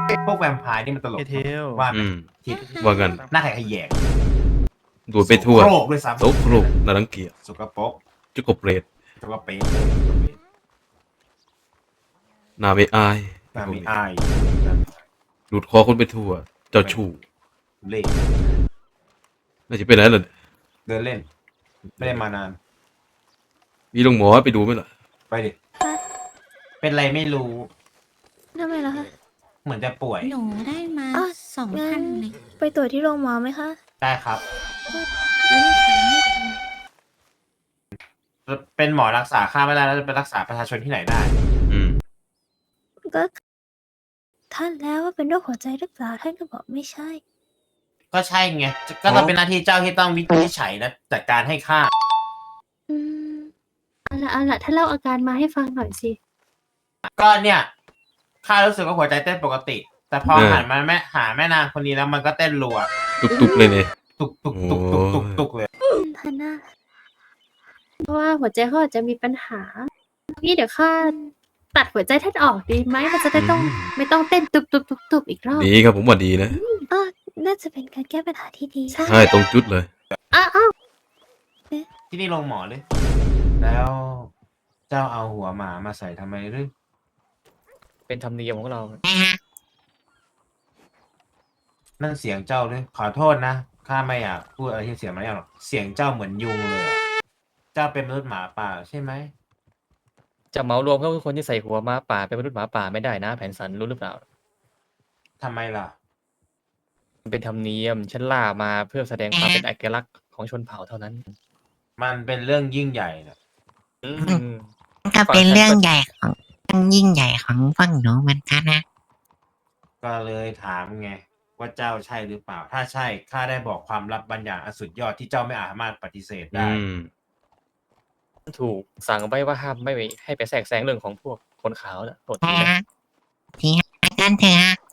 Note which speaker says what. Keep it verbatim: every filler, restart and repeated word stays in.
Speaker 1: พวกแวมไพร์นี่มันตลก
Speaker 2: เทล
Speaker 1: ว่าไหม
Speaker 3: อืม
Speaker 1: ทิศ
Speaker 3: ว่ากัน
Speaker 1: หน้าไข่ขยแยง
Speaker 3: ดูดไปทั่ว
Speaker 1: โครกด้วยซ้ำ
Speaker 3: โตโครกน่ารังเกียจ
Speaker 1: สกปรก
Speaker 3: จุกกบเปรต
Speaker 1: สกปรก
Speaker 3: นาไม่อาย
Speaker 1: นามีอาย
Speaker 3: ดูดคอคนไปทั่ว เจ้าชู้
Speaker 1: เล่
Speaker 3: น่าจะไปไหนล่ะ
Speaker 1: เดินเล่น ไม่ได้มานาน
Speaker 3: มีลงหมอไปดูไหมล่ะ
Speaker 1: ไปดิ เป็นไรไม่รู้
Speaker 4: ทำไมล่ะคะ
Speaker 1: เหมือนจะป่วย
Speaker 5: หนูได้มา
Speaker 4: อ่ะ
Speaker 5: สอง
Speaker 4: งั้
Speaker 5: พัน
Speaker 4: น
Speaker 5: เลย
Speaker 4: ไปตรวจที่โรงหมอไหมคะ
Speaker 1: ได้ครับ
Speaker 4: ไม่ได้ถามไม่ถาม
Speaker 1: เป็นหมอรักษาค่าไม่ได้แล้วจะไปรักษาประชาชนที่ไหนได้
Speaker 3: อืม
Speaker 4: ก็ท่านแล้วว่าเป็นโรคหัวใจหรือเปล่าท่านก็บอกไม่ใช่
Speaker 1: ก็ใช่ไง ก็ต้องเป็นหน้าที่เจ้าที่ต้องวินิจฉัยและจัดการให้ข้า
Speaker 4: อืม
Speaker 6: เอาละเอาละถ้าเล่าอาการมาให้ฟังหน่อยสิ
Speaker 1: ก็เนี่ยข้ารู้สึกว่าหัวใจเต้นปกติ แต่พอ
Speaker 3: เออ
Speaker 1: หันมาแม่หาแม่นางคนนี้แล้วมันก็เต้นรัว
Speaker 3: ตุกๆเลยเนี่ย
Speaker 1: ตุกตุกตุกตุกตุกตุกเลย
Speaker 4: ท่านน่ะ
Speaker 6: เพราะว่าหัวใจเขาอาจจะมีปัญหานี่เดี๋ยวข้าตัดหัวใจท่านออกดีไหมมันจะได้ต้อง
Speaker 3: อืม
Speaker 6: ไม่ต้องเต้นตุบตุบตุบตุบอีกรอบ
Speaker 3: ดีครับผมว่าดีนะ
Speaker 4: เออน่าจะเป็นการแก้ปัญหาที่ดี
Speaker 6: ใช่
Speaker 3: ใช่ตรงจุดเลย
Speaker 6: อ้าวอ้าว
Speaker 1: ที่นี่โรงหมอเลย แล้วเจ้าเอาหัวหมามาใส่ทำไมหรือ
Speaker 2: เป็นธรรมเนียมของเรา
Speaker 1: นั่นเสียงเจ้าเลยขอโทษนะข้าไม่อยากพูดอะไรที่เสียมารยาทหรอกเสียงเจ้าเหมือนยุงเลยอะเจ้าเป็นมนุษย์หมาป่าใช่ไหม
Speaker 2: จะเหมารวมก็คือคนที่ใส่หัวหมาป่าเป็นมนุษย์หมาป่าไม่ได้นะแผนสันรู้หรือเปล่า
Speaker 1: ทำไมล่ะ
Speaker 2: มันเป็นธรรมเนียมฉันล่ามาเพื่อแสดงความเป็นเอกลักษณ์ของชนเผ่าเท่านั้น
Speaker 1: มันเป็นเรื่องยิ่งใหญ่นะ
Speaker 2: อืม
Speaker 5: ก็เป็นเรื่องใหญ่ของเรื่องยิ่งใหญ่ของฝั่งหนูเหมือนกันนะ
Speaker 1: ก็เลยถามไงว่าเจ้าใช่หรือเปล่า ถ้าใช่ข้าได้บอกความลับบางอย่างอันสุดยอดที่เจ้าไม่อาจสามารถปฏิเสธได้
Speaker 3: อืม
Speaker 2: ถูกสั่งไว้ว่าห้ามไม่ให้ไปแทรกแซงเรื่องของพวกคนขาวนะโทษที
Speaker 5: ฮะ
Speaker 2: นะ
Speaker 5: ทีฮะกันเถอะฮะ